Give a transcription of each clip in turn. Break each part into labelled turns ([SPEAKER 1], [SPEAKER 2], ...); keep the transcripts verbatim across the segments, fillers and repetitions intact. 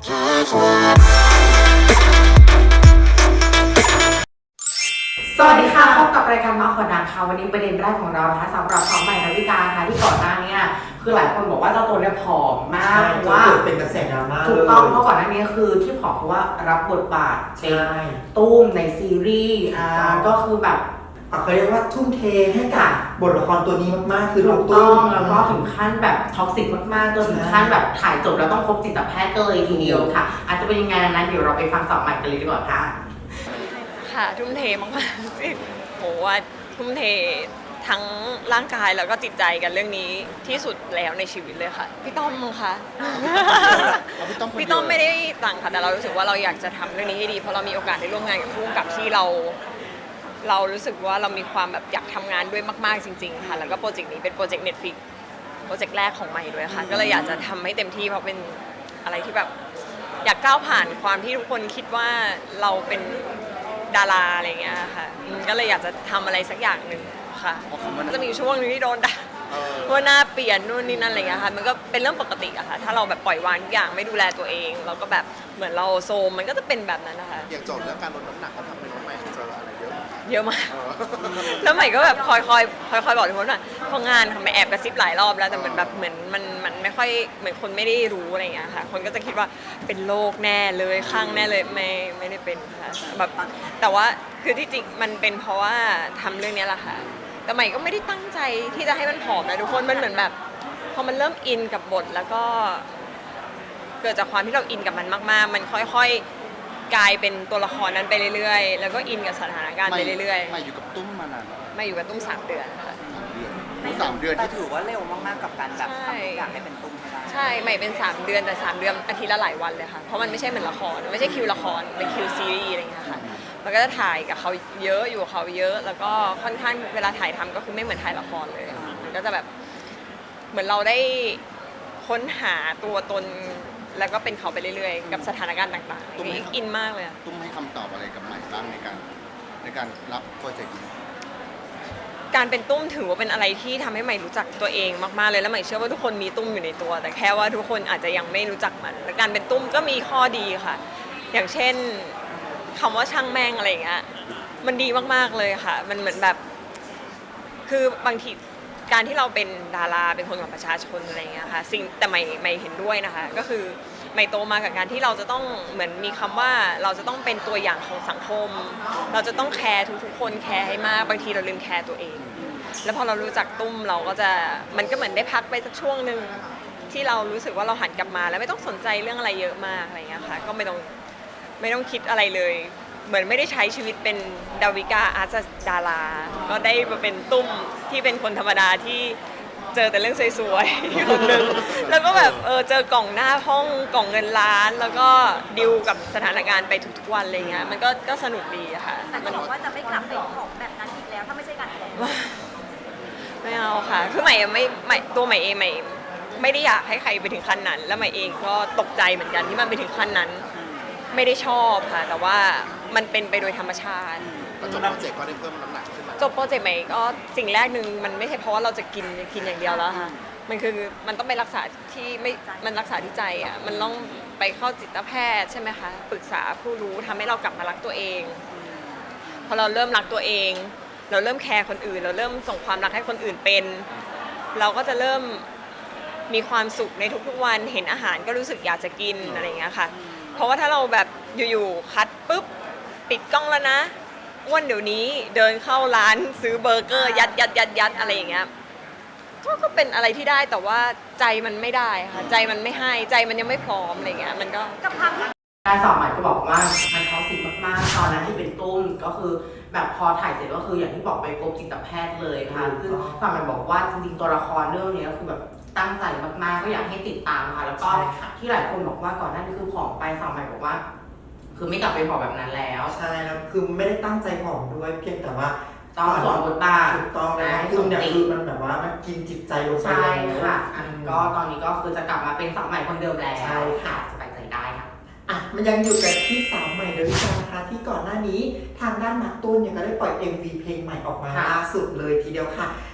[SPEAKER 1] สวัสดีค่ะพบกับรายการมาขอดังค่ะวันนี้ประเด็นแรกของเรานะคะสำหรับสาวใหม่ดาวิกาค่ะที่ก่อนหน้านี้คือหลายคนบอกว่าเจ้าตัวเนี่ยผอมมากเพราะว่า
[SPEAKER 2] เป็นกระแสดราม่า
[SPEAKER 1] ถูกต้องเพราะก่อนหน้านี้คือที่ผอมเพราะว่ารับบทบาทเป็นตุ้มในซีรีส์อ่าก็คือแบบ
[SPEAKER 2] เขาเรียกว่าทุ่มเทให้กับบทละครตัวนี้มากๆคือ
[SPEAKER 1] ถูกต้องแล้วก็ถึงขั้นแบบท็อกซิกมากๆจนถึงขั้นแบบถ่ายจบแล้วต้องพบจิตแพทย์ก็เลยทีเดียวค่ะอาจจะเป็นยังไงนั้นเดี๋ยวเราไปฟังสาวใหม่กันเลยดีกว่าค่ะ
[SPEAKER 3] ค่ะทุ่มเทมากๆโหว่าทุ่มเททั้งร่างกายแล้วก็จิตใจกันเรื่องนี้ที่สุดแล้วในชีวิตเลยค่ะพี่ต้อมค่ะพี่ต้อมไม่ได้สั่งค่ะแต่เรารู้สึกว่าเราอยากจะทำเรื่องนี้ให้ดีเพราะเรามีโอกาสได้ร่วมงานกับผู้กำกับที่เราเรารู้สึกว่าเรามีความแบบอยากทำงานด้วยมากๆจริงๆค่ะแล้วก็โปรเจกต์นี้เป็นโปรเจกต์ Netflix โปรเจกต์แรกของใหม่ด้วยค่ะก็เลยอยากจะทำให้เต็มที่เพราะเป็นอะไรที่แบบอยากก้าวผ่านความที่ทุกคนคิดว่าเราเป็นดาราอะไรเงี้ยค่ะก็เลยอยากจะทำอะไรสักอย่างหนึ่งค่ะจะมีช่วงนึงที่โดนด่าว่าหน้าเปลี่ยนนู่นนี่นั่นอะไรเงี้ยค่ะมันก็เป็นเรื่องปกติอะค่ะถ้าเราแบบปล่อยวางทุกอย่างไม่ดูแลตัวเองเราก็แบบเหมือนเราโซมมันก็จะเป็นแบบนั้นนะคะ
[SPEAKER 4] อย่างโจทย์เรื่องการลดน้ำหนักเขาทำให้น้องใหม่เจออะไรเยอะ
[SPEAKER 3] เยอะมากแล้วใหม่ก็แบบคอยคอยคอยคอยบอกทุกคนว่าพองานทำไมแอบกระซิบหลายรอบแล้วแต่เหมือนแบบเหมือนมันมันไม่ค่อยเหมือนคนไม่ได้รู้อะไรเงี้ยค่ะคนก็จะคิดว่าเป็นโรคแน่เลยข้างแน่เลยไม่ไม่ได้เป็นค่ะแบบแต่ว่าคือที่จริงมันเป็นเพราะว่าทำเรื่องนี้แหละค่ะแต่ใหม่ก็ไม่ได้ตั้งใจที่จะให้มันผอมนะทุกคนมันเหมือนแบบพอมันเริ่มอินกับบทแล้วก็เกิดจากความที่เราอินกับมันมากๆมันค่อยๆกลายเป็นตัวละครนั้นไปเรื่อยๆแล้วก็อินกับสถานการณ์ไปเรื่อย
[SPEAKER 4] ๆมาอยู่กับตุ้มมานาน
[SPEAKER 3] มาอยู่กับตุ้มสามเดือนค่ะ
[SPEAKER 4] สามเดือน
[SPEAKER 5] แต่ถือว่าเร็วมากๆกับการแบบทำทุกอย่างให้เป็นตุ้มให้ได้
[SPEAKER 3] ใช่ใหม่เป็นสามเดือนแต่สามเดือนอาทิตย์ละหลายวันเลยค่ะเพราะมันไม่ใช่เหมือนละครไม่ใช่คิวละครเป็นคิวซีรีส์อะไรอย่างเงี้ยค่ะมันก็จะถ่ายกับเขาเยอะอยู่กับเขาเยอะแล้วก็ค่อนข้างเวลาถ่ายทำก็คือไม่เหมือนถ่ายละครเลยมันก็จะแบบเหมือนเราได้ค้นหาตัวตนแล้วก็เป็นเขาไปเรื่อยๆกับสถานการณ์ต่างๆนี่อินมากเลย
[SPEAKER 4] ตุ้มให้คำตอบอะไรกับใหม่บ้างในการในการรับโปรเจกต์นี้
[SPEAKER 3] การเป็นตุ้มถือว่าเป็นอะไรที่ทำให้ใหม่รู้จักตัวเองมากๆเลยแล้วใหม่เชื่อว่าทุกคนมีตุ้มอยู่ในตัวแต่แค่ว่าทุกคนอาจจะยังไม่รู้จักมันและการเป็นตุ้มก็มีข้อดีค่ะอย่างเช่นคำว่าช่างแม่งอะไรอย่างเงี้ยมันดีมากๆเลยค่ะมันเหมือนแบบคือบางทีการที่เราเป็นดาราเป็นคนของประชาชนอะไรเงี้ยค่ะสิ่งแต่ใหม่ใหม่เห็นด้วยนะคะก็คือใหม่โตมากับการที่เราจะต้องเหมือนมีคำว่าเราจะต้องเป็นตัวอย่างของสังคมเราจะต้องแคร์ทุกๆคนแคร์ให้มากบางทีเราลืมแคร์ตัวเองแล้วพอเรารู้จักตุ้มเราก็จะมันก็เหมือนได้พักไปสักช่วงหนึ่งที่เรารู้สึกว่าเราหันกลับมาแล้วไม่ต้องสนใจเรื่องอะไรเยอะมากอะไรเงี้ยค่ะก็ไม่ต้องไม่ต้องคิดอะไรเลยเหมือนไม่ได้ใช้ชีวิตเป็นดาวิกาอาร์ตดาราก็ได้มาเป็นตุ้มที่เป็นคนธรรมดาที่เจอแต่เรื่องสวยๆคนหนึ่งแล้วก็แบบเออเจอกล่องหน้าห้องกล่องเงินล้านแล้วก็ดิวกับสถานการณ์ไปทุกๆวันอะไรเงี้ยมันก็ก็สนุกดีอะค่ะ
[SPEAKER 6] แต่เขาบอกว่าจะไม่กลับไปของแบบนั้นอีกแล้วถ้าไม่ใช่การ
[SPEAKER 3] ไม่เอาค่ะคือใหม่ไม่ใหม่ตัวใหม่เองใหม่ไม่ได้อยากให้ใครไปถึงขั้นนั้นแล้วใหม่เองก็ตกใจเหมือนกันที่มันไปถึงขั้นนั้นไม่ได้ชอบค่ะแต่ว่ามันเป็นไปโดยธรรมชาติ
[SPEAKER 4] จบโปรเจกต์ก็ได้เพิ่มน้ำหนักขึ้นมา
[SPEAKER 3] จบโปรเจกต์ใหม่ก็สิ่งแรกหนึ่งมันไม่ใช่เพราะว่าเราจะกินกินอย่างเดียวแล้วค่ะมันคือมันต้องไปรักษาที่ไม่มันรักษาที่ใจอ่ะมันต้องไปเข้าจิตแพทย์ใช่ไหมคะปรึกษาผู้รู้ทำให้เรากลับมารักตัวเองพอเราเริ่มรักตัวเองเราเริ่มแคร์คนอื่นเราเริ่มส่งความรักให้คนอื่นเป็นเราก็จะเริ่มมีความสุขในทุกๆวันเห็นอาหารก็รู้สึกอยากจะกินอะไรอย่างเงี้ยค่ะเพราะว่าถ้าเราแบบอยู่ๆคัดปุ๊บปิดกล้องแล้วนะอ้วนเดี๋ยวนี้เดินเข้าร้านซื้อเบอร์เกอร์ยัดยัดยัดยัดอะไรอย่างเงี้ยก็ก็เป็นอะไรที่ได้แต่ว่าใจมันไม่ได้ค่ะใจมันไม่ให้ใจมันยังไม่พร้อมอะไรเงี้ยมันก็
[SPEAKER 1] การสอบใหม่ก็บอกว่ามันท็อกซิกมากๆตอนนั้นที่เป็นตุ้มก็คือแบบพอถ่ายเสร็จก็คืออย่างที่บอกไปพบจิตแพทย์เลยค่ะซึ่งสอบใหม่บอกว่าจริงๆตัวละครเรื่องนี้ก็คือแบบตั้งใจมากๆก็อยากให้ติดตามค่ะแล้วก็ที่หลายคนบอกว่าก่อนหน้านี้คือผอมไปสอบใหม่บอกว่าคือไม่กลับไปผอมแบบนั้นแล้ว
[SPEAKER 2] ใช่แล้วคือไม่ได้ตั้งใจผอมด้วยเพียงแต่ว่า
[SPEAKER 1] ต้องสวมบทบาท
[SPEAKER 2] ถูกต้องนะคือเนี่ยคือมันแบบว่ามันกินจิตใจลงไป
[SPEAKER 1] ใช่ค่ะก็ตอนนี้ก็คือจะกลับมาเป็นสาวใหม่คนเดิมแล้วใช่ค่ะสบายใจได้ค่ะ
[SPEAKER 2] อ่ะมันยังอยู่กับที่สาวใหม่ดาวิกานะคะที่ก่อนหน้านี้ทางด้านมาร์คต้นเนี่ยก็ได้ปล่อย เอ็ม วี เพลงใหม่ออกมาล่าสุดเลยทีเดียวค่ะ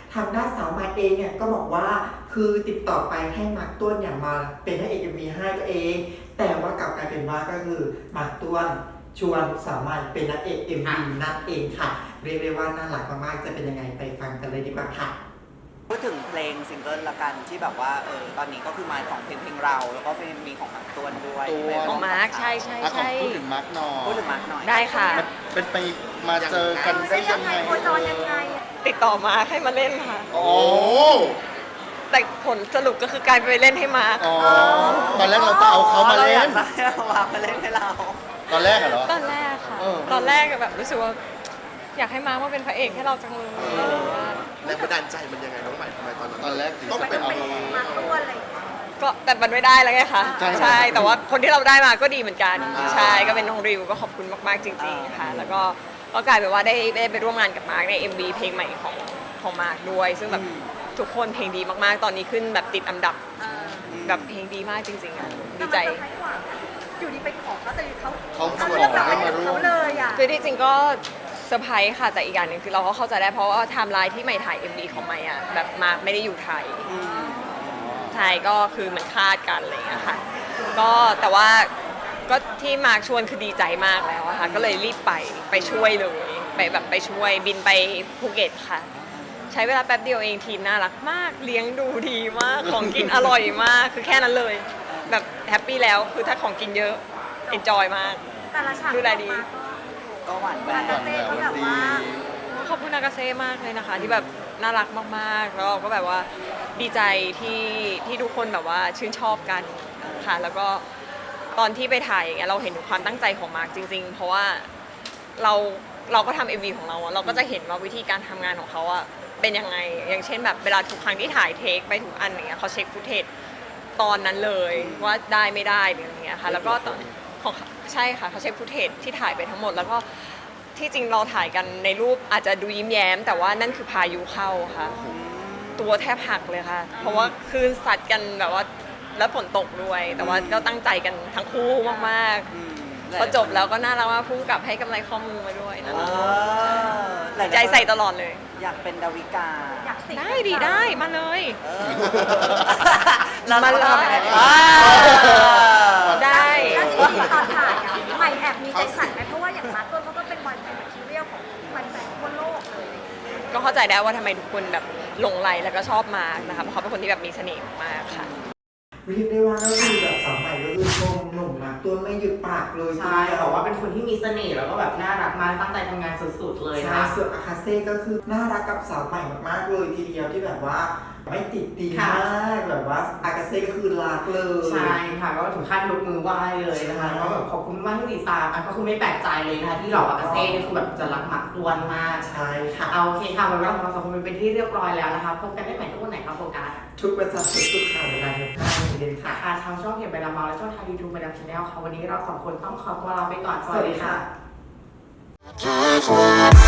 [SPEAKER 2] ทางด้านสาวมายเองเนี่ยก็บอกว่าคือติดต่อไปให้มาร์คต้วนเนี่ยมาเป็นพระเอกเอ็มวีให้ตัวเอง แต่ว่ากลับกลายเป็นว่าก็คือมาร์คต้วนชวนสาวมายเป็นนักเอกเอ็มวีนั่นเองค่ะเรียกได้ว่าน่ารักมากๆจะเป็นยังไงไปฟังกันเลยดีกว่าค่ะ
[SPEAKER 5] พูดถึงเพลงซิงเกิลละกันที่แบบว่าเออตอนนี้ก็คือมาสองเพลงเพลงเรา แล้วก็เป็นมีของมาร์คต้วนด้วย
[SPEAKER 4] ต้วน
[SPEAKER 3] ของมาร์คใช่ใช่
[SPEAKER 4] อ่ะขอ
[SPEAKER 3] ใช่
[SPEAKER 4] พูดถึงมาร์กหน่อย
[SPEAKER 5] พูดถึงมาร์คหน่อย
[SPEAKER 3] ได้ค่ะ
[SPEAKER 4] มันเป็นไปมาเจอกันได้
[SPEAKER 6] ใช่
[SPEAKER 4] ยั
[SPEAKER 6] ยัง ง
[SPEAKER 4] ไง
[SPEAKER 6] ไงโคจรยังไง
[SPEAKER 3] ติดต่อมาให้มาเล่นค่ะ
[SPEAKER 4] โอ้
[SPEAKER 3] แต่ผลสรุปก็คือกลายไปเล่นให้มาร์ค
[SPEAKER 4] อ๋อตอนแรกเราจะเอาเขามา
[SPEAKER 5] เรา
[SPEAKER 4] เล่
[SPEAKER 5] อยาน กได้เอามามาเล่นให้เรา
[SPEAKER 4] ตอนแรกอะเหรอ
[SPEAKER 3] ตอนแรกค่ะ
[SPEAKER 4] เออ
[SPEAKER 3] ตอนแรกแบบรู้สึกว่า อยากให้มาร์คมาเป็นพระเอกให้เราจังเลย
[SPEAKER 7] แรงบันดาลใจมันยังไงน้องใหม่ทำไมตอนนั้น
[SPEAKER 4] ตอนแรก
[SPEAKER 7] ต้องเป็น
[SPEAKER 6] เป็นมาตัวอะไรอย่างเงี้ย
[SPEAKER 3] ก็แต่มันไม่ได้แล้วไงคะ
[SPEAKER 4] ใช่
[SPEAKER 3] ใช่ แต่ว่าคนที่เราได้มาก็ดีเหมือนกัน
[SPEAKER 5] อ่า
[SPEAKER 3] ใช่ก็เป็นน้องริวก็ขอบคุณมากๆจริงๆค่ะ แล้วก็ก็กลายเป็นว่าได้ได้ไปร่วมงานกับมาร์คใน เอ็ม วี เพลงใหม่ของของมาร์คด้วย ซึ่งแบบทุกคนเพลงดีมากๆ ตอนนี้ขึ้นแบบติดอันดับแบบเพลงดีมากจริงๆอ่ะดีใจ
[SPEAKER 6] แต่มันเซอร์ไพรส์กว่านะอยู่ดีไปขอเขาแต่เขา
[SPEAKER 4] เขาชวน
[SPEAKER 6] เลือกเรา
[SPEAKER 4] ให้
[SPEAKER 6] ไป
[SPEAKER 4] มาร่ว
[SPEAKER 6] เขา
[SPEAKER 4] ม
[SPEAKER 6] เลยอ่ะ
[SPEAKER 3] คือที่จริงก็เซอร์ไพรส์ค่ะ แต่อีกอย่างหนึ่งคือเราก็เข้าใจได้เพราะว่าไทม์ไลน์ที่ใหม่ถ่าย เอ็ม วี ของใหม่อ่ะแบบมาร์คไม่ได้อยู่ไทย
[SPEAKER 5] อืม
[SPEAKER 3] ใช่ก็คือมันคลาดกันอะไรอย่างเงี้ยค่ะ ก็แต่ว่าก็ที่มาร์คชวนคือดีใจมากแล้วอะค่ะ ก็เลยรีบไปไปช่วยเลยไปแบบไปช่วยบินไปภูเก็ตค่ะ ใช้เวลาแป๊บเดียวเองทีมน่ารักมาก เลี้ยงดูดีมาก ของกินอร่อยมาก คือแค่นั้นเลย แบบแฮปปี้แล้วคือถ้าของกินเยอะเอนจอยมาก
[SPEAKER 6] แต่ละฉาก
[SPEAKER 3] ดูแลดี
[SPEAKER 5] ก็หวานแหว
[SPEAKER 6] ออก
[SPEAKER 5] น
[SPEAKER 6] มาก็นากาเซ่เขาแบบว่า
[SPEAKER 3] ขอบคุณนากาเซ่มากเลยนะคะ ที่แบบน่ารักมากๆ แล้วเราก็แบบว่าดีใจที่ที่ทุกคนแบบว่าชื่นชอบกันค่ะ แล้วก็ตอนที่ไปถ่ายอย่างเงี้ยเราเห็นถึงความตั้งใจของมาร์คจริง ๆ เพราะว่าเราเราก็ทำเอ็มวีของเราอะเราก็จะเห็นว่าวิธีการทำงานของเขาอะเป็นยังไง อย่างเช่นแบบเวลาทุกครั้งที่ถ่ายเทคไปทุกอันอย่างเงี้ยเขาเช็คฟุตเทจตอนนั้นเลยว่าได้ไม่ได้หรืออะไรเงี้ยค่ะแล้วก็ตอนของใช่ค่ะเขาเช็คฟุตเทจที่ถ่ายไปทั้งหมดแล้วก็ ที่จริงเราถ่ายกันในรูปอาจจะดูยิ้มแย้ม แต่ว่านั่นคือพายุเข้าค่ะ ตัวแทบหักเลยค่ะ เพราะว่าคลื่นซัดกันแบบว่าแล้วฝนตกด้วย แต่ว่าก็ตั้งใจกันทั้งคู่มาก
[SPEAKER 5] อืม
[SPEAKER 3] ๆพอจบแล้วก็น่ารักมากพุ่งกลับให้กำไรข้อมือมาด้วยนะ
[SPEAKER 5] เออหลายๆ
[SPEAKER 3] ใจใส่ตลอดเลย
[SPEAKER 5] อยากเป็นดาวิกา
[SPEAKER 6] อยากสิง
[SPEAKER 3] ได้ดีได้มาเลย
[SPEAKER 5] เออแล้ว
[SPEAKER 3] มา
[SPEAKER 5] เรา
[SPEAKER 3] เลย
[SPEAKER 5] ทำยังไงดี
[SPEAKER 3] อ่า ได้
[SPEAKER 6] แล้วจริงๆตอนถ่ายอะใหม่แอบมีใจสั่นไหมเพราะว่าอย่างมาร์คต้นเขาก็เป็นบอยแบนด์แมทเรียลของแฟนๆทั่วโลกเลย
[SPEAKER 3] ก็เข้าใจได้ว่าทำไมทุกคนแบบหลงไหลแล้วก็ชอบมาร์คนะคะเพราะเขาเป็นคนที่แบบมีเสน่ห์มากๆค่ะ
[SPEAKER 2] เรียกได้ว่าก็คือแบบสาวใหม่ก็คือชมหนุ่มมาร์คต้วนไม่หยุดปากเลย
[SPEAKER 1] ใช่บอกว่าเป็นคนที่มีเสน่ห์แล้วก็แบบน่ารักมากตั้งใจทำงานสุดๆเลย
[SPEAKER 2] ใช่
[SPEAKER 1] นะ
[SPEAKER 2] ส่วนอาคาเซ่ก็คือน่ารักกับสาวใหม่มากๆเลยทีเดียวที่แบบว่าไม่ติดตีน
[SPEAKER 1] ค่ะ
[SPEAKER 2] มากแบบว่าอาคาเซ่ก็คือรักเลย
[SPEAKER 1] ใช่ค่ะก็ถึงขั้นยกมือไหว้เลยนะคะแล้วก็แบบขอบคุณมากที่ติดตามอ่ะก็คือไม่แปลกใจเลยนะคะที่เหล่าอากาเซ่เนี่ยคือแบบจะรักหมักดวนมาก
[SPEAKER 2] ใช่ค่ะ
[SPEAKER 1] เอาโอเคค่ะวันนี้ของเราสองคนเป็นที่เรียบร้อยแล้วนะคะพบกันได้ใหม่ทุกวันไหนครับโฟกัส
[SPEAKER 2] ทุกวันจันทร์ถึงศุกร์ค่ะเวลาหนึ่งห้าโมงเย็นค่ะ
[SPEAKER 1] ค่ะทางช่องเพจใบดามาและช่องทางยูทูบใบดาชาแนลค่ะวันนี้เราสองคนต้องขอตัวลาไปก่อนสวัสดีค่ะ
[SPEAKER 7] Careful.